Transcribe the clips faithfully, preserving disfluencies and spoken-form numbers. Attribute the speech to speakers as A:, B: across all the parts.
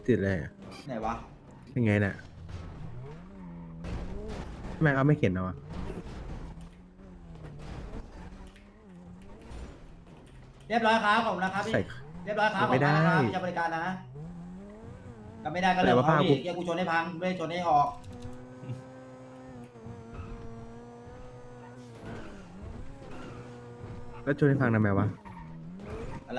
A: ติดอะไรอะ
B: ไหนวะ
A: ยังไงน่ะทำไมเขาไม่เขียนเอาอะ
B: เรียบร้อยครับผมนะครับพี่
A: ใส่
B: เรียบร้อยครับ
A: ไม่ได้
B: ขอบคุณนะครับที่จะบริการนะก็ไม่ได้ก็เรื่องของเขา
A: แต่ว่า
B: ดิ
A: ภาพกู
B: เกียกูชนให้พังไม่ได้ชนให้ออก
A: แล้วช่วยให้ฟังทำไมวะ
B: อะไร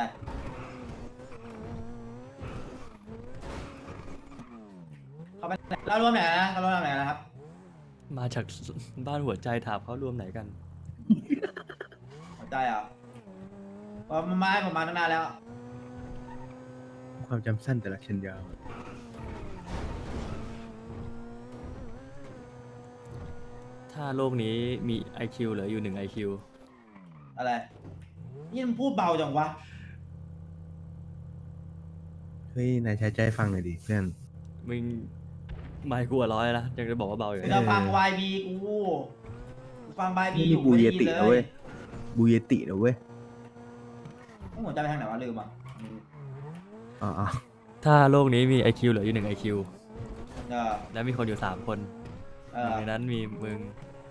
B: เขาไปไหนเรารวมไหนนะเรารวมไหนนะครับ
C: มาจากบ้านหัวใจถามเขารวมไหนกัน
B: หัวใจอ่ะพอมาไม้ผมมาตั้งนานแล้ว
A: ความจำสั้นแต่ละเช่นยาว
C: ถ้าโลกนี้มี ไอ คิว เหลืออยู่หนึ่ง ไอ คิว
B: อะไรนี่มันพูดเบาจังวะ
A: เฮ้ยนายใช้ใจฟังหน่อยดิเพื่อน
C: มึงไม่กลัวร้อยนะยังจะบอกว่าเบาอยู่
B: คือ
C: เลย
B: เราฟัง วาย บี กูกูฟัง วาย บี
A: นี่
B: อยู่
A: บู
B: ไม่
A: เย
B: ได้ยิน
A: ติ
B: เล
A: นะเว้
B: ย
A: ยบูเยตินะเว้ย
B: ต้องหัวใจไปทางไหนวะลืมอ่ะ
A: อ๋ออ๋อ
C: ถ้าโลกนี้มี ไอ คิว เหลืออยู่หนึ่ง ไอ คิว
B: เออ
C: และมีคนอยู่สามคน
B: เอ
C: หนึ่
B: อง
C: ในนั้นมีมึง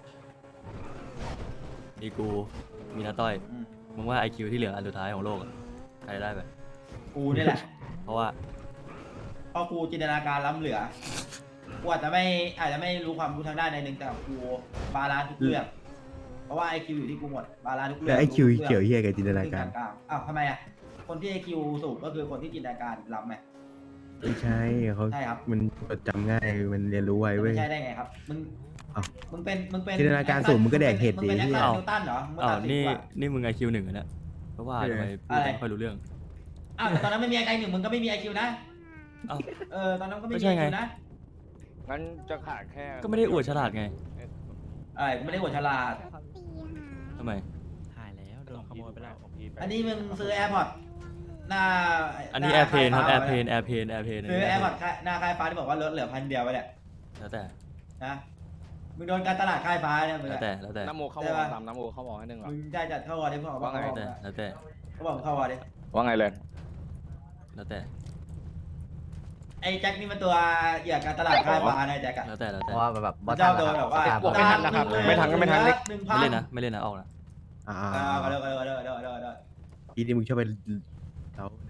C: มีกู มีน้าต้อย
B: อืม
C: มึงว่า ไอ คิว ที่เหลืออันสุดท้ายของโลกอะใครได้ไป
B: กูนี่แหละ
C: เพราะว่า
B: เพราะกูจินตนาการล้ำเหลือ กูอาจจะไม่อาจจะไม่รู้ความรู้ทางด้านใดหนึ่งแต่กูบาลานซ์ทุกเรื่อง เพราะว่าไอคิวอยู่ที่กูหมด บาลานซ์ทุกเรื่
A: แล้วไอคิว
B: รู้ทุ
A: เกี่ยว
B: รื่อง
A: เฮียกับจินตนา
B: ซึ่ง
A: การ
B: กลางๆอ้าวทำไมอ่ะ คนที่ไอคิวสูงก็คือคนที่จินตนาการล้ำไหม
A: ไม่ใช่เขา
B: ใช่ครับ
A: มันจดจำง่ายมันเรียนรู้ไว
B: จะ
A: เว้
B: ไม่
A: ย
B: ใช่ได้ไงครับ มึง
A: อ้าว
B: มึงเป็น มึงเป็น
A: จินตนาการสูงมึงก็แดกเห็ดดิ
B: มึงเป็นแอค
A: เหี้ย
B: ชั่นนิวตันเหรอ มึง
C: อ้าว
B: ตัดสิ
C: นี่
B: กว่า
C: นี่มึง ไอ คิว หนึ่งอะเนี่ยเพราะว่าทำไมพูด
B: อะไร
C: ไม่ค่อยรู้เรื่อง
B: อ้าวแต่ตอนนั้นไม่มีไอหนึ่งมึงก็ไม่มีไอคิวนะ
C: อ้าว
B: เออ ตอนนั้นก็ไม่
C: ไม่
B: มี
C: ใช่
B: ไอ
C: ไง
B: คิวนะ
D: งั้นจะขาดแค่
C: ก็ไม่ได้อวดฉลาดไง
B: อะไรกูไม่ได้หัวฉลาด
C: ทำไม
E: หายแล้วโดนขโมยไปแล้ว
B: อันนี้มึงซื้อแอร์พอร์ตหน้า
C: อันนี้
B: ห
C: แอร์เพนครับ
B: ค่
C: แอ
B: ฟ้า
C: ร์เพนแอร์เพนแอร์เพน
B: ซื้อแอร์พอร์ตหน้าค่ายฟ้าที่บอกว่าลดเหลือพันเดียวไปแหละ
C: แล้วแต่
B: นะมึงโดนการตลาดค่ายฟ้าเนี่ยมึง
C: แล้ว
B: อะ
C: แต่แล้วแต่
D: น้ำโมเข้า
B: ใช่
D: วอ
B: ปะ
D: ตามน้ำโมเข้าวอให้หนึ่งเหรอ
B: มึงได้จัดเข้าวอร์ดดิเขาบอกว่า
D: ว่าไง
B: เขา
C: แล้ว
B: บอก
C: แต่แล้วแต่
B: เขาบอกเข้าวอร์ดดิ
D: ว่าไงเลย
C: แล้วแต่
B: ไอ้แจ็คนี่มันตัวเหยื่อการตลาดค่ายฟ้านะแจ็คอะ
C: แล้วแต่แล้ว
E: เพ
C: แต่
E: ราะว่าแบบ
B: เจ้าโดนแบบว่า
D: บวกไม่ทันนะครับ
B: หง
D: ไม่ทันก็ไม่ทัน
B: หนึ่งพั
C: ไม่
B: น
C: เล่นนะไม่เล่นนะออกนะ
A: อ่า
B: อ่าก็เลิกก็เลิกก็เลิกก็เลิกก็เลิกก็เลิก
A: อีนี่มึงชอบไปเรานะ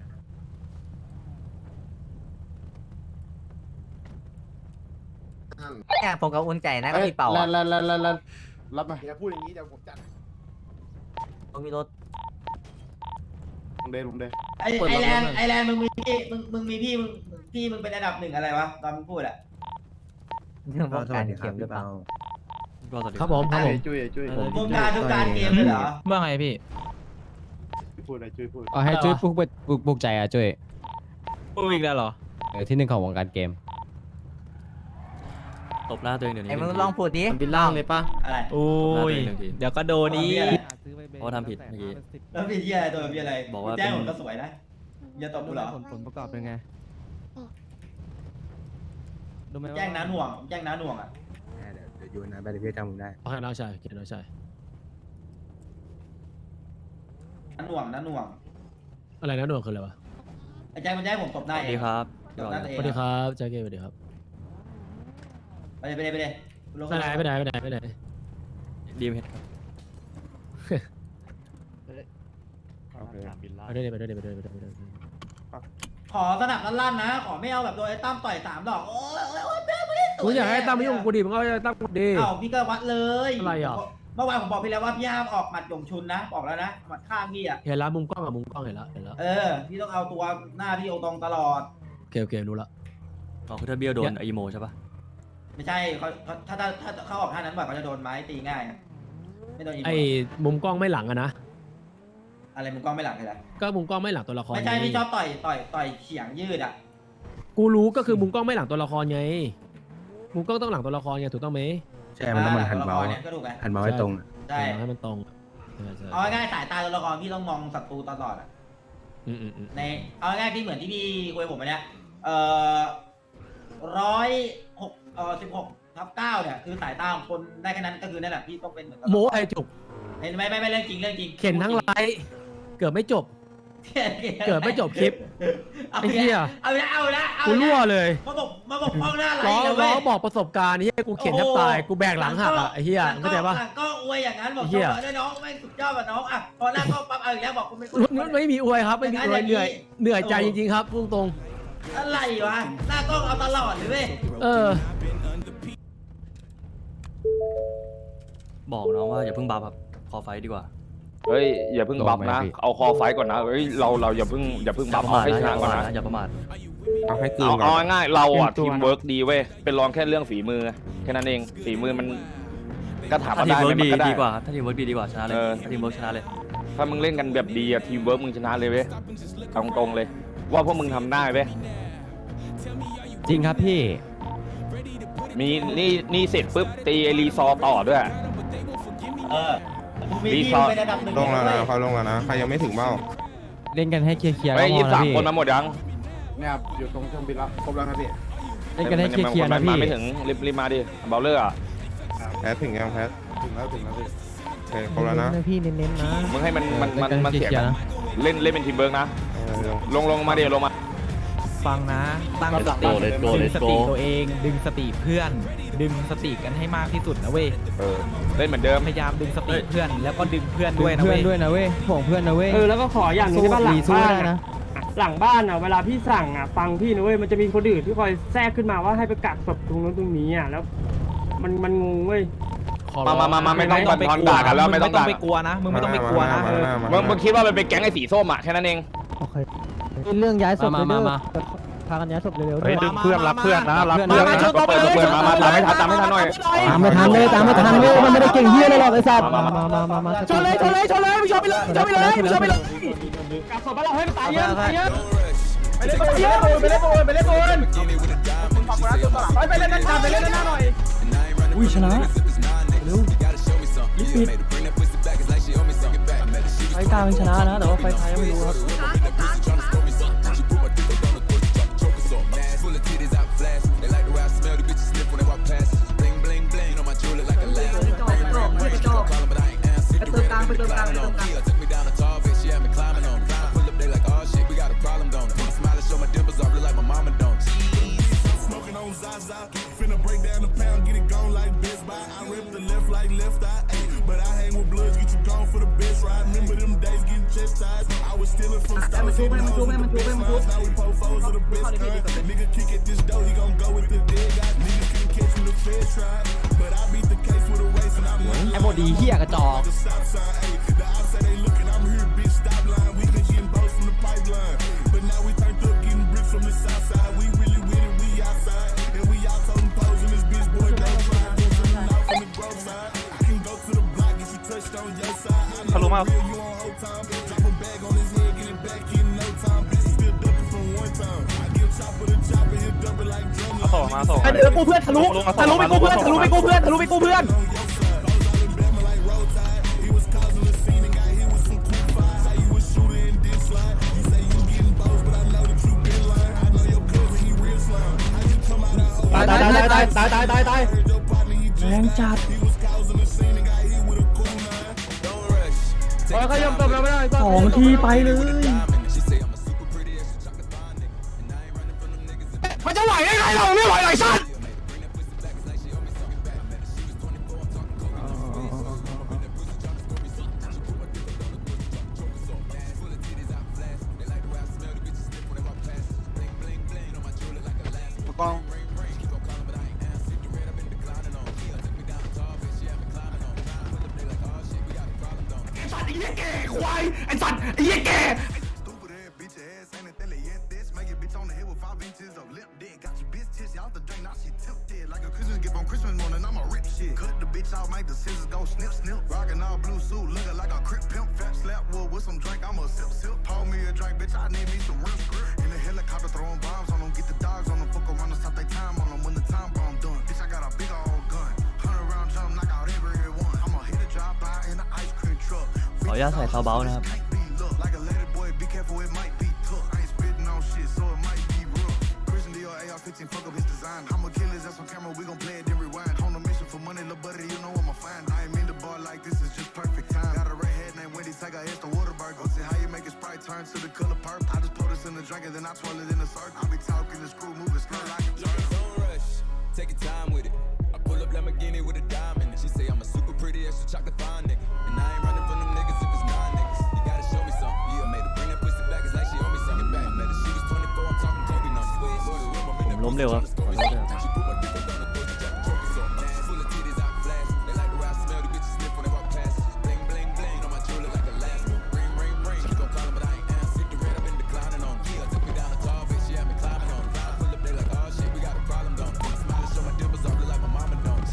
E: เนี่ยผมกับอุ่นใจนะก็มีเป่า
F: แล้
E: อ่ะ
F: วแล้วแล้วแล้วรับมาอย่าพูดอย่างนี้เดี๋ยวผมจัด
E: ผมมีรถ
F: ผมเดนผมเดน
B: ไอไอแลนด์ไอแลนด์มึงมีพี่มึงมึงมีพี่มึงพี่มึงเป็นอันดับหนึ่งอะไรวะตอนมึงพูดอะ
E: เรื่องป้อง
A: ส
E: กั
A: วัน สดีค
E: เข็
A: รับ
E: มหรือ
A: พี่
E: เปล่า
A: เปา
C: ก็สวัสดี
G: ครับผมครับผม
F: จุ้ยจุ้ย
G: เออ
B: วงการทุกการเกมเลยเหรอ
G: ว่าไงพี่
F: พูดอะไรจุ้ยพูด
G: อ๋อให้จุ้ยปลุกปลุกปลุกใจอ่ะจุ้ยปลุกอีกแล้วเหรอเออที่หนึ่งของวงการเกม
C: ตบหน้าตัวเองเดี๋ยวนี้
E: ไอ้มึง
C: หนึ่
E: ลองพูดดิ
G: มันเป็นล่างเลยปะ
B: อะไร
G: โอ้ย
C: หนึ่งที
G: เดี๋ยวก็โดนอีก
C: เพราะว่าทำผิดเมื่อกี้
B: แล้วพี่เหี้ยอะไรตัวพี่อะไร
C: บอกว่า
B: แจ้ง
C: เป็น
B: ผมก็สวยนะอย่าตบกูเหรอ
G: ผลผลประกอบเป็นไงดูไหมว่า
B: แจ้งน้าหน่วงแจ้งน้าหน่วงอะ
A: เดี๋ยวเดี๋ยวอยู่นะไปเดี๋ยวพี่จำมึงได้
G: โอเคน้องชายโอเคน้องชาย
B: น้าหน่วงน้าหน่วง
G: อะไรนะหน่วงคืออะไรวะ
B: ไอ้แจ้งมันแจ้งผมตบห
C: ส
B: น้า
C: วัส
B: เอ
C: ดี
B: ง
C: ครับ
B: ตบหน้าตัวเอ
G: ส
B: ง
G: วัสดีค
B: อะ
G: รับแจ็คเก้สวัสดีครับ
B: ไปเลยไปเลยไปเลยลง
G: ไปไหนไปไหนไปไหนไปไหน
C: ดีมเฮดครับ
F: โอเค
G: ไปด้วยดิไปด้วยดิไปด้วยดิไปด้วยดิไปด้วยดิ
B: ขอสนับลั่นๆนะ ขอไม่เอาแบบโดนไอ้ตั้มต่อยสามดอกโอ้ยโอ้ยโอ้ยแม่ไม่ได้
G: กูอยากให้ตั้มมายุ่งกับกูดิมึงก็ให้ตั้มกูดิ
B: เอ้าพี่ก็วัดเลย
G: อะไรอ่ะ
B: เมื่อวานผมบอกพี่แล้วว่าพี่ห้ามออกหมัดหยงชุนนะบอกแล้วนะหมัดข้างพี่อ่ะ
G: เห็นแล้วมุมกล้องอะมุมกล้องเห็นแล้วเห็นแล้ว
B: เออพี่ต้องเอาตัวหน้าพี่เอาตรงตลอด
G: โอเคโอเครู้ละ
C: อ๋อคือถ้าเบี้ยวโดนไอโมใช่ปะ
B: ไม่ใช่เขาเขาถ้าถ้าถ้าเขาออกท่านั้นบ่อยเขาจะโดนไม้ตีง่ายอะไม่โดนอีโม
G: ไอ้มุมกล้องไม่หลังอะนะ
B: อะไรมึงกล้องไม่หลังเลยนะ
G: ก็มุมกล้องไม่หลังตัวละคร
B: ไม่ใช่
G: ไง
B: พี่ชอบต่อยต่อยต่อยเฉียงยืดอ่ะ
G: กูรู้ก็คือมุมกล้องไม่หลังตัวละครไง มุมกล้องต้องหลังตัวละครไงถูกต้องไหม
A: ใช่มันต้องมันหัน
B: ตัวละ
A: เมา
B: ค
A: ส์
B: รเนี่ยก็ถูกไหม
A: หันเมาส์ให้ตรงอะ
B: ใช่
G: ให้มันตรงใช่ใช่
B: เอาง่ายๆสายตาตัวละครพี่ต้องมองศัตรูตลอดอ่ะ
G: อืมอืมอืม
B: ในเอาง่ายๆพี่เหมือนที่พี่คุยกับผมอันเนี้ยเอ่อร้อยหกเอ่อสิบหกทับเก้าเนี่ยคือสายตาของคนได้แค่นั้นก็คือนั่นแหละพี่ต้องเป็นเหมือนกัน
G: โมไอจุก
B: เห็นไหมไม่ไม่เรื่องจริงเรื่องจริง
G: เข็นทั้งไลฟ์เกือบไม่จบ
H: เกิดไม่จบคลิป
B: เอา
H: ไอ้เหี้ย
B: เอาละเอาละเอา
H: กู
B: ละ
H: รั่วเลย
B: มาบอกมาบอกป้องหน้าไหล
H: ร้อง
B: เลย
H: ร้
B: เว้
H: อย งบอกประสบการณ์นี่กูเขียนแทบตายกูแบกหลังหักอ่ะไอ้เหี้ยเข้าใจปะ
B: หลังก็อวยอย่างนั้นบอก
H: ไอ้เหี้ย
B: ได้น้องแม่งสุดยอดแบบน้องอ่ะพอหน้าก็ปั๊บเอาอีกแล้วบอกคุณไม่
H: ไม่ไม่มีอวยครับไม่มีอวยเหนื่อยเหนื่อยใจจริงๆครับพูดตรง
B: อะไรวะหน้ากล้องเอาตลอดเลยเว้ย
H: เออ
C: บอกน้องว่าอย่าเพิ่งบัฟครับคอไฟดีกว่า
D: เฮ้ยอย่าเพิ่งบัฟนะเอาคอไฟก่อนนะเฮ้ยเราเราอย่าเพิ่งอย่าเพิ่ง
C: อย่า
D: บัฟ
C: ประ
D: เอา
C: มาท
D: ให้ช
C: นะ
D: นะก่อนนะ
C: อย่าประมาท
A: เอาให้กลืน
D: เอา
A: ก่อ
D: เอา
A: น
D: ง่ายๆเราอ่ะทีมเวิร์กดีเว้ยเป็นรองแค่เรื่องฝีมือแค่นั้นเองฝีมือมันก็ถาม
C: ถ้า
D: มา
C: ทีม
D: ได้
C: เวิร์ก
D: มัน
C: ดี
D: ก็ได้
C: ดีกว่าถ้าทีมเวิร์กดีดีกว่าชนะเลย
D: เออ
C: ถ้าทีมเวิร์กชนะเลย
D: ถ้ามึงเล่นกันแบบดีอะทีมเวิร์กมึงชนะเลยเว้ยเอาตรงๆเลย ว่าพวกมึงทำได้เว้ย
G: จริงครับพี่
D: มีนี่นี่เสร็จปุ๊บตีไอรีซอร์ต่อด้วย
B: เออมี
D: รี
B: ที่
D: สอร์ท
B: เป็นระดับหนึ่ง
A: ลงแล้วนะ
B: เว้ย
A: เขาลงแล้วนะใครยังไม่ถึงเบ้า
G: เล่นกันให้เคลียร์ๆ
D: เฮ้
G: ก็
D: ย
G: พ
D: ยี่
G: อ
D: สิบ
G: นะ
D: สาม
G: พี่
D: คนมาหมดยัง
F: เนี่ยครับอยู่ตรงเครื่องบินแล้วครบแล้วครับพี่
G: เล่นกันให้เคลียร์ๆนะ
D: มา
G: พี่
D: ไม่ถึงรีบรีบมาดิเบลเลอร์อะ
A: แพทถึงยังแพท
F: ถึงแล้วถึงแล้วพี่
A: โอเคครบแล้วนะ
G: พี่เน้นๆนะ
D: มึงให้มันมันมัน
G: เล่นกัน
D: มัน
G: ให้
D: เสีย
G: เคลียร์ๆนะ
D: เล่นเล่นเป็นทีมเวิร์กนะ
A: เออลง
D: ลงลงมาเดี๋ยวลงมา
I: ฟังนะ ตั้งสติดึงสติตัวเอง ดึงสติเพื่อน ดึงสติกันให้มากที่สุดนะเว้ย
D: เออเล่นเหมือนเดิม
I: พยายามดึงสติเพื่อน แล้วก็ดึงเพื่อน
G: ดึ
I: ด้วย
G: ง
I: นะ
G: เพื่อ
I: เว้
G: น
I: ย
G: ด้วยนะเว้ยห่วงเพื่อนนะเว้ย
J: เออแล้วก็ขออย่างหนึงได้ป่ะหลัง
G: สู้
J: บ้าน
G: ดีสู้
J: อะ
G: ได้นะ
J: หลังบ้านอ่ะเวลาพี่สั่งอ่ะฟังพี่นะเว้ยมันจะมีคนอื่นที่คอยแทรกขึ้นมาว่าให้ไปกักศพตรงนู้นตรงนี้อ่ะแล้ว มันมันงงเว้ย
D: มามามามาไม่ต้องบันทอนด่ากันแล้วไม่ต้อง
I: มึงไม่ต้อ
D: ด่าง
I: ไปกลัวนะ มึงไม่ต้องไปกลัวนะเออ
D: มึงมึงคิดว่ามันเป็นแก๊งไอ้สีส้มอะแค่นั้นเอง
E: เรื่องย้ายศพ
G: มามามา
E: พากันย้ายศพเร็วๆ
F: เฮ้ยดึงเพื่อนรับเพื่อนนะรับ
G: เพื่อน
F: เพื่อน
G: มา
F: นะ
G: ช่วย
D: เปิดเปิดมามาตามไม่ทันตามไม่ทันหน่อย
E: ตามไม่ทันเลยตามไม่ทันเลยมันไม่ได้เก่งเฮียเลยหรอกไอ้สัตว์
D: มา
E: มา
D: มา
E: มามามา
H: ชนเลยชนเลยชนเลยมึงชนไปเลยชนไปเลยมึงชนไปเลย
J: กักศพแล้วเราให้มันตายเยอะตายเยอะ
H: ไปเล่นตัวเยอะไปเล่นตัวไปเล่นตัวไปเล่นนั่นจับไปเล่นนั่นหน่อย
C: อุ้ยชนะเร็วลิปิดไฟกลางชนะนะแต่ว่าไฟท้ายยังไม่รู้ครับ
I: ไอ้โมดีเฮียกระจอก
F: ทะลุมา ส่งมาส่ง
H: ไอ้เดี๋ยวกูเพื่อนทะลุทะลุไปกูเพื่อนทะลุไปกูเพื่อนทะลุไปกูเพื่อน ตายตายตายตายตายตายตายตายแรงจัดเขายอมตบเราไม่ได้สองทีไปเลยมันจะไหวได้ไงเราไม่ไหวไหลสัตว์
F: กล้อง
H: ควายไอ้สัตว์ไอ้เหี้ยแก
C: ขออนุญาตใส่ซาวเบานะครับ
K: On a mission for money, little buddy, you know I'm a fan. I ain't mean the bar like this is just perfect time. Got a red head, now
H: named Wendy, take a hit the Waterberg. Go see how you make a Sprite turn to the color purple. I just pour this in the drink and then I twirl it in a circle. I be talking the screw, moving skirt like a turtle. Don't rush, take your time with it. I pull up Lamborghini with a diamond. She say I'm a super pretty extra chocolate fine nigga. And I ain't running from them niggas if it's non niggas. You gotta show me something. Yeah, I made her bring that pussy back. It's like she owe me something back. Made her she was twenty-four, I'm talking Kobe numbers.
C: ผมล้มเร็วครับขอโทษด้วยครับ
H: She put my dick up on the pussy, jack the trophy so nasty. Full of titties out flash. They like the way I smell the bitches sniff when they walk past. Bling bling bling on my jewelry like Alaska. Ring ring ring. She gon' call him but I ain't answer. Hit the red, I've been declining on. Yeah, took me down a tall bitch, she had me climbing on. I pull up they like oh shit, we got a problem don't. Smile and show my dimples off, look like my mama don't.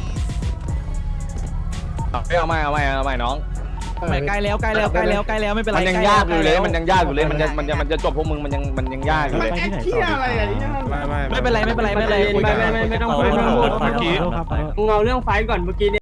D: เอาไม่เอาไม่เอาไม่น้อง
I: ไม่ใกล้แล้วใกล้แล้วใกล้แล้วใกล้แล้วไม่เป็นไร
D: มันยังยากอยู่เลยมันยังยากอยู่เลยมันจะมันจะมันจะจบพวกมึงมันยังมันยังยากอยู่เลย
A: ไม่ไม่
I: ไม่เป็นไรไม่เป็นไรไม่เป็นไร
J: ไม่ไม่ไม่ไม่ต้องพูดไม่ต้องพูด
C: เมื่อกี้
J: มึงเอาเรื่องไฟท์ก่อนเมื่อกี้